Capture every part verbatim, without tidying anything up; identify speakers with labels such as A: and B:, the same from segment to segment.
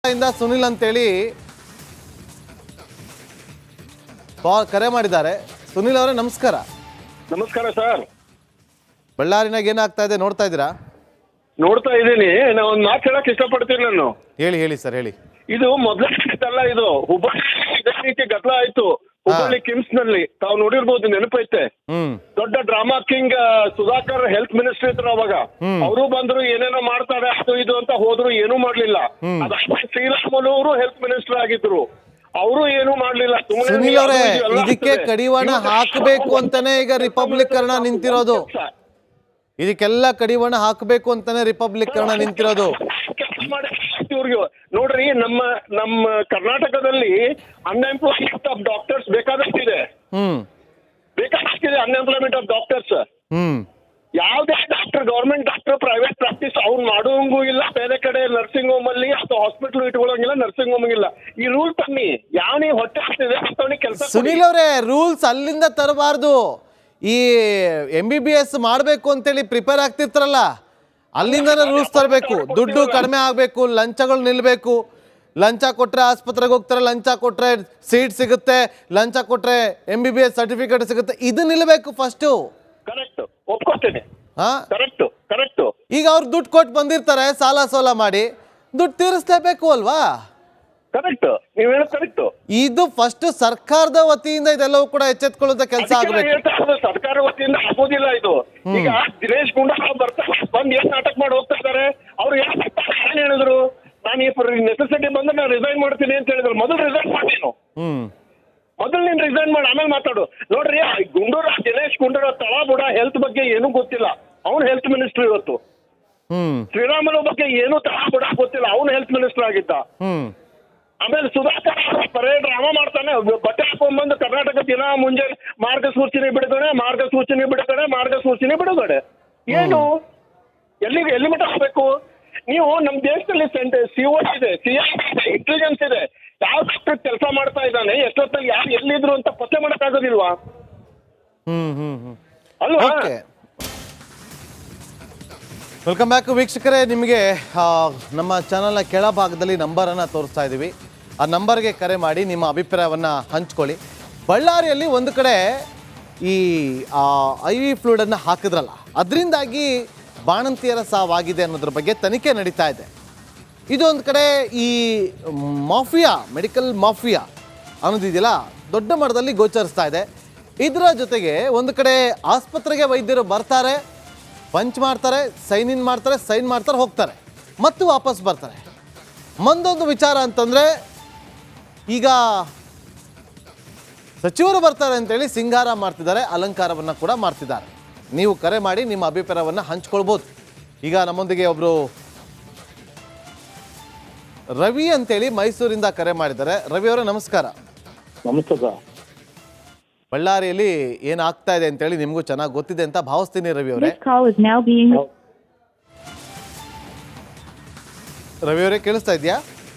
A: ಇಂದ ಸುನಿಲ್ ಅಂತೇಳಿ ಕರೆ ಮಾಡಿದ್ದಾರೆ. ಸುನಿಲ್ ಅವರೇ ನಮಸ್ಕಾರ.
B: ನಮಸ್ಕಾರ ಸರ್.
A: ಬಳ್ಳಾರಿನಾಗ ಏನಾಗ್ತಾ ಇದೆ ನೋಡ್ತಾ ಇದ್ದೀರಾ?
B: ನೋಡ್ತಾ ಇದ್ದೀನಿ. ನಾ ಒಂದು ಮಾತು ಹೇಳಕ್ ಇಷ್ಟಪಡ್ತೀನಿ ನಾನು.
A: ಹೇಳಿ ಹೇಳಿ ಸರ್ ಹೇಳಿ.
B: ಇದು ಮೊದಲಲ್ಲ, ಇದು ಹುಬ್ಬಳ್ಳಿ ಇದೇ ರೀತಿ ಗದ್ದಲ ಆಯ್ತು. ಹುಬ್ಬಳ್ಳಿ ಕಿಮ್ಸ್ ನಲ್ಲಿ ತಾವು ನೋಡಿರ್ಬೋದು, ನೆನಪೈತೆ.
A: ಹ್ಮ್
B: ದೊಡ್ಡ drama king Sudhakar health minister ಇದ್ರು ಅವಾಗ. ಅವರು ಬಂದ್ರು, ಏನೇನೋ ಮಾಡ್ತಾರೆ ಅದು ಇದು ಅಂತ ಹೋದ್ರು, ಏನೂ ಮಾಡ್ಲಿಲ್ಲ. ಅದಾದ್ಮೇಲೆ ಶ್ರೀರಾಮುಲು ಅವರು ಹೆಲ್ತ್ ಮಿನಿಸ್ಟರ್ ಆಗಿದ್ರು, ಅವರು ಏನು ಮಾಡ್ಲಿಲ್ಲ.
A: ಸುನಿಲ್ ಅವರೇ, ಇದಕ್ಕೆ ಕಡಿವಾಣ ಹಾಕಬೇಕು ಅಂತಾನೆ ಈಗ ರಿಪಬ್ಲಿಕರ್ನ ನಿಂತಿರೋದು. ಇದಕ್ಕೆಲ್ಲ ಕಡಿವಾಣ ಹಾಕಬೇಕು ಅಂತಾನೆ ರಿಪಬ್ಲಿಕರ್ನ ನಿಂತಿರೋದು.
B: ಇವ್ರಿಗೆ ನೋಡ್ರಿ, ನಮ್ಮ ನಮ್ಮ ಕರ್ನಾಟಕದಲ್ಲಿ ಅನ್ಎಂಪ್ಲಾಯ್ಮೆಂಟ್ ಆಫ್ ಡಾಕ್ಟರ್ಸ್ ಬೇಕಾದಷ್ಟಿದೆ.
A: ಹ್ಮ್
B: ಬೇಕಾದಷ್ಟಿದೆ ಅನ್ಎಂಪ್ಲಾಯ್ಮೆಂಟ್ ಆಫ್ ಡಾಕ್ಟರ್ಸ್.
A: ಹ್ಮ್
B: ಯಾವ್ದೇ doctor, government doctor private practice ಅವ್ನು ಮಾಡೋಂಗೂ ಇಲ್ಲ. ಬೇರೆ ಕಡೆ ನರ್ಸಿಂಗ್ ಹೋಮ್ ಅಲ್ಲಿ ಅಥವಾ ಹಾಸ್ಪಿಟಲ್ ಇಟ್ಕೊಳ್ಳೋಂಗಿಲ್ಲ, ನರ್ಸಿಂಗ್ ಹೋಮ್ ಇಲ್ಲ. ಈ ರೂಲ್ ತನ್ನಿ, ಯಾವನಿ ಹೊಟ್ಟೆ ಆಗ್ತಿದೆ ಅಂತವನಿ ಕೆಲಸ.
A: ಸುನಿಲ್ ಅವರೇ, ರೂಲ್ಸ್ ಅಲ್ಲಿಂದ ತರಬಾರ್ದು. ಈ ಎಂ ಬಿ ಬಿ ಎಸ್ ಮಾಡಬೇಕು ಅಂತೇಳಿ ಪ್ರಿಪೇರ್ ಆಗ್ತಿರ್ತಾರಲ್ಲ, ಅಲ್ಲಿಂದನೇ ರೂಲ್ಸ್ ತರಬೇಕು. ದುಡ್ಡು ಕಡಿಮೆ ಆಗಬೇಕು, ಲಂಚಗಳು ನಿಲ್ಲಬೇಕು. ಲಂಚ ಕೊಟ್ಟರೆ ಆಸ್ಪತ್ರೆಗೆ ಹೋಗ್ತಾರೆ, ಲಂಚ ಕೊಟ್ಟರೆ ಸೀಟ್ ಸಿಗುತ್ತೆ, ಲಂಚ ಕೊಟ್ಟರೆ M B B S certificate ಸಿಗುತ್ತೆ. ಇದು ನಿಲ್ಲಬೇಕು ಫಸ್ಟು.
B: ಕರೆಕ್ಟ್, ಒಪ್ಕೋತೇನೆ.
A: ಹಾ,
B: ಕರೆಕ್ಟ್ ಕರೆಕ್ಟ್.
A: ಈಗ ಅವ್ರು ದುಡ್ಡು ಕೊಟ್ಟು ಬಂದಿರ್ತಾರೆ, ಸಾಲ ಸೋಲ ಮಾಡಿ, ದುಡ್ಡು ತೀರಿಸ್ಲೇಬೇಕು ಅಲ್ವಾ?
B: ಕರೆಕ್ಟ್, ನೀವು ಹೇಳೋದು ಕರೆಕ್ಟ್.
A: ಇದು ಫಸ್ಟ್ ಸರ್ಕಾರದ ವತಿಯಿಂದ ಇದೆಲ್ಲವೂ ಕೂಡ ಎಚ್ಚೆತ್ಕೊಳ್ಳುವಂತ ಕೆಲಸ ಆಗಬೇಕು.
B: ಸರ್ಕಾರ ವತಿಯಿಂದ ಆಗೋದಿಲ್ಲ ಇದು. ಈಗ ದಿನೇಶ್ ಗುಂಡೂರಾವ್ ಬರ್ತಾರೆ, ಬಂದ್ ಏನ್ ನಾಟಕ ಮಾಡಿ ಹೋಗ್ತಾ ಇದಾರೆ. ಅವ್ರು ಏನ್ ಹೇಳಿದ್ರು, ನಾನು ಈ ನೆಸೆಸಿಟಿ ಬಂದ್ರೆ ನಾನು ರಿಸೈನ್ ಮಾಡ್ತೀನಿ ಅಂತ ಹೇಳಿದ್ರು. ಮೊದಲು ರಿಸೈನ್ ಮಾಡಿ, ನೀನು
A: ಹ್ಮ್
B: ಮೊದಲು ನೀನ್ ರಿಸೈನ್ ಮಾಡಿ ಆಮೇಲೆ ಮಾತಾಡು. ನೋಡ್ರಿ, ಗುಂಡೂರಾವ್ ದಿನೇಶ್ ಗುಂಡೂರಾವ್ ತಳ ಬುಡ ಹೆಲ್ತ್ ಬಗ್ಗೆ ಏನೂ ಗೊತ್ತಿಲ್ಲ, ಅವ್ನು ಹೆಲ್ತ್ ಮಿನಿಸ್ಟರ್ ಇವತ್ತು.
A: ಹ್ಮ್
B: ಶ್ರೀರಾಮುಲು ಬಗ್ಗೆ ಏನು ತಳ ಬುಡ ಗೊತ್ತಿಲ್ಲ, ಅವ್ನು ಹೆಲ್ತ್ ಮಿನಿಸ್ಟರ್ ಆಗಿದ್ದ.
A: ಹ್ಮ್
B: ಆಮೇಲೆ ಸುಧಾಕರ್ ಬರೇ ಡ್ರಾಮಾ ಮಾಡ್ತಾನೆ. ಬಟ್ಟೆ ಹಾಕೊಂಡ್ಬಂದು ಕರ್ನಾಟಕ ದಿನ ಮುಂಜಾನೆ ಮಾರ್ಗಸೂಚನೆ ಬಿಡುಗಡೆ, ಮಾರ್ಗಸೂಚನೆ ಬಿಡುಗಡೆ, ಮಾರ್ಗಸೂಚನೆ ಬಿಡುಗಡೆ. ಏನು, ಎಲ್ಲಿಗೆ ಎಲ್ಲಿ ಮಟ್ಟ ಹೋಗ್ಬೇಕು ನೀವು? ನಮ್ಮ ದೇಶದಲ್ಲಿ ಸಿ ಓ ಇದೆ, ಸಿ ಐ ಇದೆ, ಇಂಟೆಲಿಜೆನ್ಸ್ ಇದೆ. ಯಾವ ಡಾಕ್ಟರ್ ಕೆಲಸ ಮಾಡ್ತಾ ಇದ್ದಾನೆ, ಎಷ್ಟೊತ್ತಾಗಿ ಯಾರು ಎಲ್ಲಿದ್ರು ಅಂತ ಪತ್ತೆ ಮಾಡಕ್ಕಾಗೋದಿಲ್ವಾ?
A: ಹ್ಮ್ ಹ್ಮ್ ಹ್ಮ್
B: ಅಲ್ವಾ?
A: ಓಕೆ, ವೆಲ್ಕಮ್ ಬ್ಯಾಕ್ ವೀಕ್ಷಕರೇ. ನಿಮಗೆ ನಮ್ಮ ಚಾನಲ್ನ ಕೆಳಭಾಗದಲ್ಲಿ ನಂಬರನ್ನು ತೋರಿಸ್ತಾ ಇದ್ದೀವಿ. ಆ ನಂಬರ್ಗೆ ಕರೆ ಮಾಡಿ ನಿಮ್ಮ ಅಭಿಪ್ರಾಯವನ್ನು ಹಂಚ್ಕೊಳ್ಳಿ. ಬಳ್ಳಾರಿಯಲ್ಲಿ ಒಂದು ಕಡೆ ಈ ಐ ವಿ ಫ್ಲೂಡನ್ನು ಹಾಕಿದ್ರಲ್ಲ, ಅದರಿಂದಾಗಿ ಬಾಣಂತಿಯರ ಸಾವಾಗಿದೆ ಅನ್ನೋದ್ರ ಬಗ್ಗೆ ತನಿಖೆ ನಡೀತಾ ಇದೆ. ಇದೊಂದು ಕಡೆ ಈ ಮಾಫಿಯಾ, ಮೆಡಿಕಲ್ ಮಾಫಿಯಾ ಅನ್ನೋದಿದೆಯಲ್ಲ, ದೊಡ್ಡ ಮಟ್ಟದಲ್ಲಿ ಗೋಚರಿಸ್ತಾ ಇದೆ. ಇದರ ಜೊತೆಗೆ ಒಂದು ಕಡೆ ಆಸ್ಪತ್ರೆಗೆ ವೈದ್ಯರು ಬರ್ತಾರೆ, ಪಂಚ್ ಮಾಡ್ತಾರೆ, ಸೈನ್ ಇನ್ ಮಾಡ್ತಾರೆ, ಸೈನ್ ಮಾಡ್ತಾರೆ, ಹೋಗ್ತಾರೆ, ಮತ್ತು ವಾಪಸ್ ಬರ್ತಾರೆ. ಮುಂದೊಂದು ವಿಚಾರ ಅಂತಂದರೆ, ಈಗ ಸಚಿವರು ಬರ್ತಾರೆ ಅಂತೇಳಿ ಸಿಂಗಾರ ಮಾಡ್ತಿದ್ದಾರೆ, ಅಲಂಕಾರವನ್ನು ಕೂಡ ಮಾಡ್ತಿದ್ದಾರೆ. ನೀವು ಕರೆ ಮಾಡಿ ನಿಮ್ಮ ಅಭಿಪ್ರಾಯವನ್ನು ಹಂಚ್ಕೊಳ್ಬೋದು. ಈಗ ನಮ್ಮೊಂದಿಗೆ ಒಬ್ಬರು ರವಿ ಅಂತೇಳಿ ಮೈಸೂರಿಂದ ಕರೆ ಮಾಡಿದ್ದಾರೆ. ರವಿ ಅವರೇ ನಮಸ್ಕಾರ.
B: ನಮಸ್ತೆ ಸರ್.
A: ಬಳ್ಳಾರಿಯಲ್ಲಿ ಏನಾಗ್ತಾ ಇದೆ ಅಂತೇಳಿ ನಿಮಗೂ ಚೆನ್ನಾಗಿ ಗೊತ್ತಿದೆ ಅಂತ ಭಾವಿಸ್ತೀನಿ ರವಿ ಅವರೇ. ರವಿ ಅವರೇ ಕೇಳಿಸ್ತಾ ಇದೆಯಾ?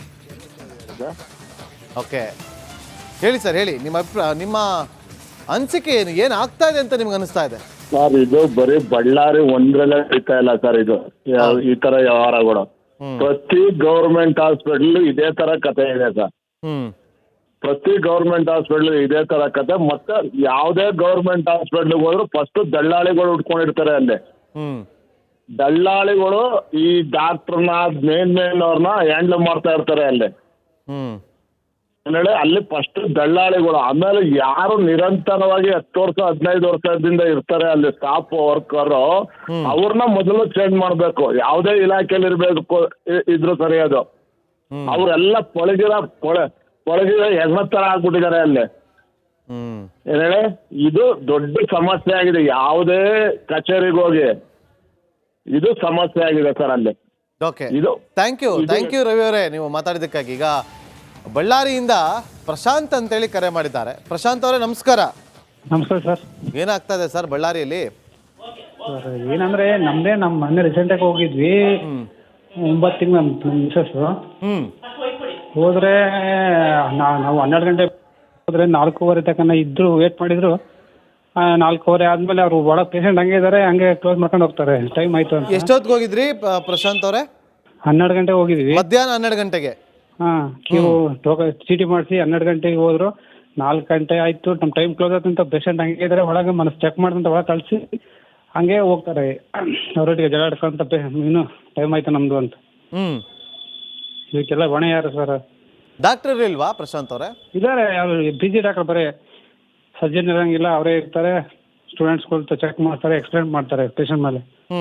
A: ಓಕೆ, ಹೇಳಿ ಸರ್, ಹೇಳಿ ನಿಮ್ಮ ಅಭಿಪ್ರಾಯ, ನಿಮ್ಮ ಅನಿಸಿಕೆ ಏನು, ಏನು ಆಗ್ತಾ ಇದೆ ಅಂತ ನಿಮ್ಗೆ ಅನಿಸ್ತಾ ಇದೆ?
C: ಸರ್, ಇದು ಬರೀ ಬಳ್ಳಾರಿ ಒಂದ್ರಲ್ಲೇ ಸಿಗ್ತಾ ಇಲ್ಲ ಸರ್. ಇದು ಈ ತರ ವ್ಯವಹಾರಗಳು ಪ್ರತಿ ಗೌರ್ಮೆಂಟ್ ಹಾಸ್ಪಿಟಲ್ ಇದೇ ತರ ಕತೆ ಇದೆ ಸರ್.
A: ಹ್ಮ್
C: ಪ್ರತಿ ಗೌರ್ಮೆಂಟ್ ಹಾಸ್ಪಿಟಲ್ ಇದೇ ತರ ಕತೆ. ಮತ್ತೆ ಯಾವುದೇ ಗೌರ್ಮೆಂಟ್ ಹಾಸ್ಪಿಟಲ್ ಹೋದ್ರು ಫಸ್ಟ್ ದಳ್ಳಾಳಿಗಳು ಉಟ್ಕೊಂಡಿರ್ತಾರೆ ಅಲ್ಲಿ.
A: ಹ್ಮ್
C: ದಳ್ಳಾಳಿಗಳು ಈ ಡಾಕ್ಟರ್ನ ಮೇನ್ ಮೇನ್ ಅವ್ರನ್ನ ಹ್ಯಾಂಡಲ್ ಮಾಡ್ತಾ ಇರ್ತಾರೆ ಅಲ್ಲಿ.
A: ಹ್ಮ್
C: ಹೇಳಿ, ಅಲ್ಲಿ ಫಸ್ಟ್ ದಳ್ಳಾಳಿಗಳು. ಆಮೇಲೆ ಯಾರು ನಿರಂತರವಾಗಿ ಹತ್ತು ವರ್ಷ ಹದಿನೈದು ವರ್ಷದಿಂದ ಇರ್ತಾರೆ ಅಲ್ಲಿ ಸ್ಟಾಫ್ ವರ್ಕರ್, ಅವ್ರನ್ನ ಮೊದಲು ಚೇಂಜ್ ಮಾಡ್ಬೇಕು. ಯಾವುದೇ ಇಲಾಖೆಯಲ್ಲಿ ಇರ್ಬೇಕು ಇದ್ರು ಸರಿ. ಅದು ಅವರೆಲ್ಲ ಪಳಗಿರ ಪೊಳ ಪಳಗಿರ ಹೆಗ್ಣ ತರ ಆಗ್ಬಿಟ್ಟಿದ್ದಾರೆ ಅಲ್ಲಿ.
A: ಹ್ಮ್
C: ಏನ್ ಹೇಳಿ, ಇದು ದೊಡ್ಡ ಸಮಸ್ಯೆ ಆಗಿದೆ. ಯಾವುದೇ ಕಚೇರಿಗೆ ಹೋಗಿ ಇದು ಸಮಸ್ಯೆ ಆಗಿದೆ ಸರ್ ಅಲ್ಲಿ.
A: ಓಕೆ, ಇದು thank you thank you Ravi ಅವರೇ, ನೀವು ಮಾತಾಡಿದ್ದಕ್ಕಾಗಿ. ಈಗ ಬಳ್ಳಾರಿಯಿಂದ ಪ್ರಶಾಂತ್ ಅಂತೇಳಿ ಕರೆ ಮಾಡಿದ್ದಾರೆ. ಪ್ರಶಾಂತ್ ಅವರೇ ನಮಸ್ಕಾರ.
D: ನಮಸ್ಕಾರ ಸರ್.
A: ಏನಾಗ್ತಾ ಇದೆ ಸರ್ ಬಳ್ಳಾರಿಯಲ್ಲಿ?
D: ಸರ್ ಏನಂದ್ರೆ, ನಮ್ದೇ ನಮ್ಮ ಮೊನ್ನೆ ರೀಸೆಂಟಾಗಿ ಹೋಗಿದ್ವಿ. ಒಂಬತ್ತು ತಿಂಗಳು ನಮ್ಮ ನಮ್ಮ ಮಿಸಸ್ಸು
A: ಹ್ಮ್
D: ಹೋದ್ರೆ ನಾವು ಹನ್ನೆರಡು ಗಂಟೆ ಹೋದ್ರೆ ನಾಲ್ಕೂವರೆ ತನಕ ಇದ್ರು, ವೇಟ್ ಮಾಡಿದ್ರು. ನಾಲ್ಕೂವರೆ ಆದ್ಮೇಲೆ ಅವರು ಒಳಗೆ ಪೇಷಂಟ್ ಹಂಗೆ ಇದ್ದಾರೆ, ಹಂಗೆ ಕ್ಲೋಸ್ ಮಾಡ್ಕೊಂಡು ಹೋಗ್ತಾರೆ. ಟೈಮ್ ಆಯ್ತು ಅಂತ.
A: ಎಷ್ಟೊತ್ತಿಗೆ ಹೋಗಿದ್ರಿ ಪ್ರಶಾಂತ್ ಅವರೇ?
D: ಹನ್ನೆರಡು ಗಂಟೆ ಹೋಗಿದ್ವಿ.
A: ಮಧ್ಯಾಹ್ನ ಹನ್ನೆರಡು ಗಂಟೆಗೆ?
D: ಹಾಂ ಕ್ಯೂ ಟೋಕ ಚೀಟಿ ಮಾಡಿಸಿ ಹನ್ನೆರಡು ಗಂಟೆಗೆ ಹೋದ್ರು, ನಾಲ್ಕು ಗಂಟೆ ಆಯಿತು, ನಮ್ಮ ಟೈಮ್ ಕ್ಲೋಸ್ ಆಯ್ತು ಅಂತ ಪೇಷಂಟ್ ಹಂಗೆ ಇದ್ದಾರೆ, ಒಳಗೆ ಮನಸ್ಸು ಚೆಕ್ ಮಾಡ್ದಂತ ಒಳಗೆ ಕಳಿಸಿ ಹಂಗೆ ಹೋಗ್ತಾರೆ ಅವರೊಟ್ಟಿಗೆ ಜಗಳ ಆಡ್ಕೊಂತ ಪೇ ಇನ್ನೂ ಟೈಮ್ ಆಯ್ತು ನಮ್ಮದು ಅಂತ.
A: ಹ್ಞೂ
D: ಇದಕ್ಕೆಲ್ಲ ಹೊಣೆ ಯಾರು ಸರ್?
A: ಡಾಕ್ಟರ್ ಇಲ್ವಾ ಪ್ರಶಾಂತ್ ಅವರೇ?
D: ಇದ್ದಾರೆ, ಅವರು ಬಿ ಜಿ ಡಾಕ್ಟರ್, ಬರೀ ಸರ್ಜನ್ ಇರೋಂಗಿಲ್ಲ, ಅವರೇ ಇರ್ತಾರೆ, ಸ್ಟೂಡೆಂಟ್ಸ್ಗಳು ಚೆಕ್ ಮಾಡ್ತಾರೆ, ಎಕ್ಸ್ಪ್ಲೇನ್ ಮಾಡ್ತಾರೆ ಪೇಷಂಟ್ ಮೇಲೆ.
A: ಹ್ಞೂ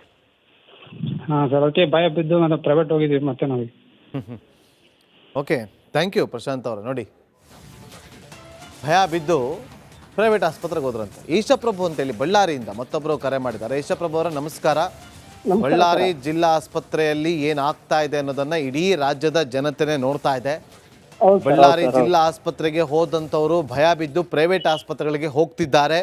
D: ಹಾಂ ಸರ್, ಅದಕ್ಕೆ ಭಯ ಬಿದ್ದು ನಾವು ಪ್ರೈವೇಟ್ ಹೋಗಿದ್ದೀವಿ ಮತ್ತೆ ನಾವು.
A: ಹ್ಞೂ ಓಕೆ, ಥ್ಯಾಂಕ್ ಯು ಪ್ರಶಾಂತ್ ಅವರು. ನೋಡಿ, ಭಯ ಬಿದ್ದು ಪ್ರೈವೇಟ್ ಆಸ್ಪತ್ರೆಗೆ ಹೋದ್ರಂತೆ. ಈಶಪ್ರಭು ಅಂತೇಳಿ ಬಳ್ಳಾರಿಯಿಂದ ಮತ್ತೊಬ್ಬರು ಕರೆ ಮಾಡಿದ್ದಾರೆ. ಈಶಪ್ರಭು ಅವರ ನಮಸ್ಕಾರ. ಬಳ್ಳಾರಿ ಜಿಲ್ಲಾ ಆಸ್ಪತ್ರೆಯಲ್ಲಿ ಏನಾಗ್ತಾ ಇದೆ ಅನ್ನೋದನ್ನ ಇಡೀ ರಾಜ್ಯದ ಜನತೆನೇ ನೋಡ್ತಾ ಇದೆ. ಬಳ್ಳಾರಿ ಜಿಲ್ಲಾ ಆಸ್ಪತ್ರೆಗೆ ಹೋದಂಥವ್ರು ಭಯ ಬಿದ್ದು ಪ್ರೈವೇಟ್ ಆಸ್ಪತ್ರೆಗಳಿಗೆ ಹೋಗ್ತಿದ್ದಾರೆ.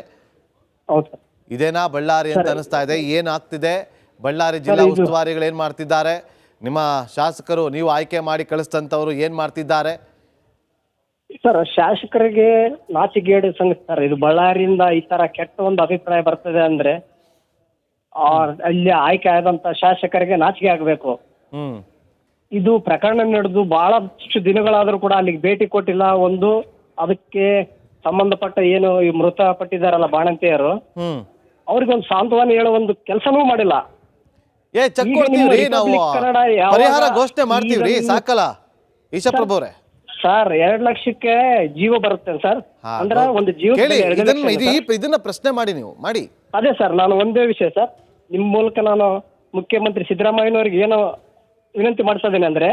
A: ಇದೇನಾ ಬಳ್ಳಾರಿ ಅಂತ ಅನಿಸ್ತಾ ಇದೆ? ಏನಾಗ್ತಿದೆ? ಬಳ್ಳಾರಿ ಜಿಲ್ಲಾ ಉಸ್ತುವಾರಿಗಳು ಏನು ಮಾಡ್ತಿದ್ದಾರೆ? ನಿಮ್ಮ ಶಾಸಕರು ನೀವು ಆಯ್ಕೆ ಮಾಡಿ ಕಳಿಸ್ತಂಥವ್ರು ಏನು ಮಾಡ್ತಿದ್ದಾರೆ?
E: ಸರ್, ಶಾಸಕರಿಗೆ ನಾಚಿಗೇಡು ಸಂಗತಿ ಸರ್. ಇದು ಬಳ್ಳಾರಿಯಿಂದ ಈ ತರ ಕೆಟ್ಟ ಒಂದು ಅಭಿಪ್ರಾಯ ಬರ್ತದೆ ಅಂದ್ರೆ ಆ ಅಲ್ಲಿ ಆಯ್ಕೆ ಆದಂತ ಶಾಸಕರಿಗೆ ನಾಚಿಕೆ ಆಗಬೇಕು.
A: ಹ್ಮ್
E: ಇದು ಪ್ರಕರಣ ನಡೆದು ಬಹಳಷ್ಟು ದಿನಗಳಾದ್ರೂ ಕೂಡ ಅಲ್ಲಿಗೆ ಭೇಟಿ ಕೊಟ್ಟಿಲ್ಲ. ಒಂದು ಅದಕ್ಕೆ ಸಂಬಂಧಪಟ್ಟ ಏನು ಈ ಮೃತಪಟ್ಟಿದ್ದಾರಲ್ಲ ಬಾಣಂತಿಯರು,
A: ಹ್ಮ್
E: ಅವ್ರಿಗೊಂದು ಸಾಂತ್ವನ ಹೇಳೋ ಒಂದು ಕೆಲಸನೂ ಮಾಡಿಲ್ಲ.
A: ಏ ಚೆಕ್ ಕೊಡ್ತೀವ್ರಿ ನಾವು, ಪರಿಹಾರ ಘೋಷಣೆ ಮಾಡ್ತೀವ್ರಿ, ಸಾಕಲ್ಲ ಈಶಪ್ರಭು ಅವರೇ?
E: ಸರ್, ಎರಡ್ ಲಕ್ಷಕ್ಕೆ ಜೀವ ಬರುತ್ತೆ ಸರ್. ಅಂದ್ರೆ ಒಂದು ಜೀವ
A: ಇದನ್ನ ಪ್ರಶ್ನೆ ಮಾಡಿ ನೀವು ಮಾಡಿ.
E: ಅದೇ ಸರ್, ನಾನು ಒಂದೇ ವಿಷಯ ಸರ್, ನಿಮ್ ಮೂಲಕ ನಾನು ಮುಖ್ಯಮಂತ್ರಿ ಸಿದ್ದರಾಮಯ್ಯನವ್ರಿಗೆ ಏನೋ ವಿನಂತಿ ಮಾಡ್ತಾ ಇದ್ದೇನೆ ಅಂದ್ರೆ,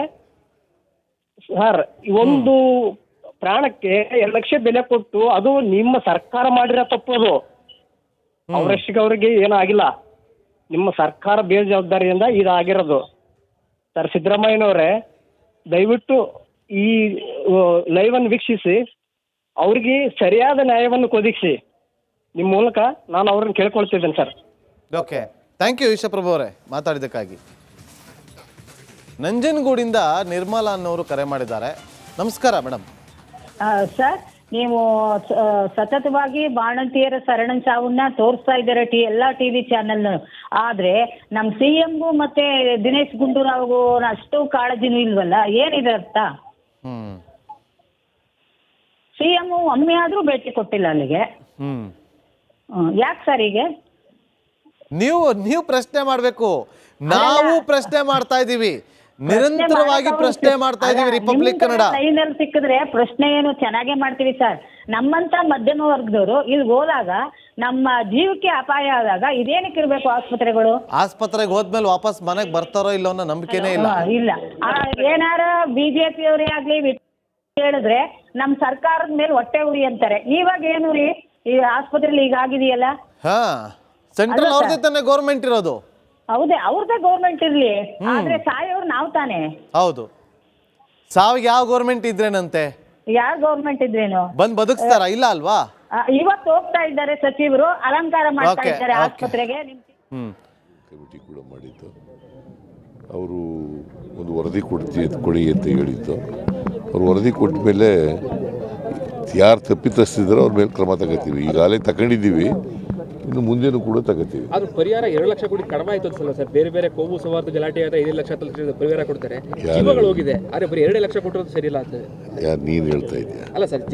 E: ಸರ್ ಒಂದು ಪ್ರಾಣಕ್ಕೆ ಎರಡು ಲಕ್ಷ ಬೆಲೆ ಕೊಟ್ಟು ಅದು ನಿಮ್ಮ ಸರ್ಕಾರ ಮಾಡಿರೋ ತಪ್ಪು. ಅದು ಅವರಷ್ಟಿಗೆ ಅವ್ರಿಗೆ ಏನೂ ಆಗಿಲ್ಲ, ನಿಮ್ಮ ಸರ್ಕಾರ ಬೇಜವಾಬ್ದಾರಿಯಿಂದ ಇದಾಗಿರೋದು. ಸರ್ ಸಿದ್ದರಾಮಯ್ಯನವರೇ, ದಯವಿಟ್ಟು ಈ ಲೈವ್ ಅನ್ನು ವೀಕ್ಷಿಸಿ ಅವ್ರಿಗೆ ಸರಿಯಾದ ನ್ಯಾಯವನ್ನು ಒದಗಿಸಿ. ನಿಮ್ಮ ಮೂಲಕ ನಾನು ಅವ್ರನ್ನ ಕೇಳ್ಕೊಳ್ತಿದ್ದೇನೆ sir.
A: Okay, thank you Ishaprabhu ಅವರೇ ಮಾತಾಡಿದ್ದಕ್ಕಾಗಿ. ನಂಜನಗೂಡಿಂದ ನಿರ್ಮಲಾ ಅನ್ನೋರು ಕರೆ ಮಾಡಿದ್ದಾರೆ. ನಮಸ್ಕಾರ ಮೇಡಮ್.
F: ಸರ್, ನೀವು ಸತತವಾಗಿ ಬಾಣಂತಿಯರ ಸರಣ ಸಾವನ್ನ ತೋರಿಸ್ತಾ ಇದ್ದಾರೆ ಟಿ ಎಲ್ಲ ಟಿವಿ ಚಾನೆಲ್. ಆದ್ರೆ ನಮ್ಮ ಸಿ ಎಂಗೂ ಮತ್ತೆ ದಿನೇಶ್ ಗುಂಡೂರಾವ್ಗೂ ಅಷ್ಟು ಕಾಳಜಿನೂ ಇಲ್ವಲ್ಲ, ಏನಿದೆ ಅರ್ಥ?
A: ಹ್ಮ್
F: ಸಿ ಎಂ ಒಮ್ಮೆ ಆದ್ರೂ ಭೇಟಿ ಕೊಟ್ಟಿಲ್ಲ ಅಲ್ಲಿಗೆ.
A: ಹ್ಮ್
F: ಯಾಕೆ ಸರ್ ಹೀಗೆ?
A: ನೀವು ನೀವು ಪ್ರಶ್ನೆ ಮಾಡ್ಬೇಕು, ನಾವು ಪ್ರಶ್ನೆ ಮಾಡ್ತಾ ಇದೀವಿ, ನಿರಂತರವಾಗಿ ಪ್ರಶ್ನೆ ಮಾಡ್ತಾ ಇದೀವಿ. ರಿಪಬ್ಲಿಕ್ ಕನ್ನಡ
F: ಲೈನಲ್ಲಿ ಸಿಕ್ಕಿದ್ರೆ ಪ್ರಶ್ನೆ ಏನು ಚೆನ್ನಾಗೇ ಮಾಡ್ತೀವಿ ಸರ್. ನಮ್ಮಂತ ಮಧ್ಯಮ ವರ್ಗದವರು ಇಲ್ಲಿ ಹೋದಾಗ ನಮ್ಮ ಜೀವಕ್ಕೆ ಅಪಾಯ ಆದಾಗ ಇದೇನಕ್ಕೆ ಇರ್ಬೇಕು ಆಸ್ಪತ್ರೆಗಳು?
A: ಆಸ್ಪತ್ರೆಗೆ ಹೋದ್ಮೇಲೆ ವಾಪಸ್ ಮನೆಗೆ ಬರ್ತಾರೋ ಇಲ್ಲೋ ಅನ್ನೋ ನಂಬಿಕೆನೇ ಇಲ್ಲ.
F: ಇಲ್ಲ, ಏನಾರ ಬಿಜೆಪಿ ಅವರೇ ಆಗ್ಲಿ ಹೇಳಿದ್ರೆ ನಮ್ ಸರ್ಕಾರದ ಮೇಲೆ ಹೊಟ್ಟೆ ಉರಿ ಅಂತಾರೆ. ಇವಾಗ ಏನು ರೀ, ಈ ಆಸ್ಪತ್ರೆಲಿ ಈಗ ಆಗಿದೆಯಲ್ಲ.
A: ಹಾ, ಸೆಂಟ್ರಲ್ ಅವ್ರದೇ ತಾನೇ ಗೌರ್ಮೆಂಟ್ ಇರೋದು.
F: ಹೌದೇ, ಅವ್ರದ್ದೇ ಗೌರ್ಮೆಂಟ್ ಇರ್ಲಿ, ಆದ್ರೆ ಸಾಯೋರು ನಾವ್ ತಾನೆ.
A: ಹೌದು, ಸಾವಿಗೆ ಯಾವ ಗೌರ್ಮೆಂಟ್ ಇದ್ರೇನಂತೆ?
F: ಯಾವ ಗೌರ್ಮೆಂಟ್ ಇದ್ರೇನು
A: ಬಂದ್ ಬದುಕ್ತಾರ? ಇಲ್ಲ ಅಲ್ವಾ?
F: ಇವತ್ತು ಹೋಗ್ತಾ ಇದ್ದಾರೆ ಸಚಿವರು, ಅಲಂಕಾರ ಮಾಡ್ತಾ ಇದ್ದಾರೆ ಆಸ್ಪತ್ರೆಗೆ.
A: ಹ್ಮ್
G: ಕಮಿಟಿ ಕೂಡ ಮಾಡಿದ್ದು, ಅವರು ಒಂದು ವರದಿ ಕೊಡ್ತಿ ಕೊಡಿ ಅಂತ ಹೇಳಿದ್ದು. ಅವ್ರು ವರದಿ ಕೊಟ್ಟ ಮೇಲೆ ಯಾರು ತಪ್ಪಿತಸ್ಥಿದ್ರು ಅವ್ರ ಮೇಲೆ ಕ್ರಮ ತಗೋತೀವಿ. ಈಗಾಗಲೇ ತಗೊಂಡಿದ್ದೀವಿ, ಇನ್ನು ಮುಂದೇನು ಕೂಡ ತಗೋತೀವಿ.
H: ಅದು ಪರಿಹಾರ ಎರಡು ಲಕ್ಷ ಕೋಟಿ ಕಡಿಮೆ ಆಯ್ತು ಅನ್ಸಲ್ಲ ಸರ್? ಬೇರೆ ಬೇರೆ ಕೋಮು ಸೌಹಾರ್ದ ಗಲಾಟೆ ಆದ ಐದು ಲಕ್ಷ ಪರಿಹಾರ ಕೊಡ್ತಾರೆ, ಜೀವಗಳು ಹೋಗಿದೆ, ಆದ್ರೆ ಬರೀ ಎರಡು ಲಕ್ಷ ಕೊಟ್ಟಿರೋದು ಸರಿ ಇಲ್ಲ ಅಂತ
G: ಯಾರು ನೀನು ಹೇಳ್ತಾ ಇದೆಯಾ?
H: ಅಲ್ಲ ಸರ್,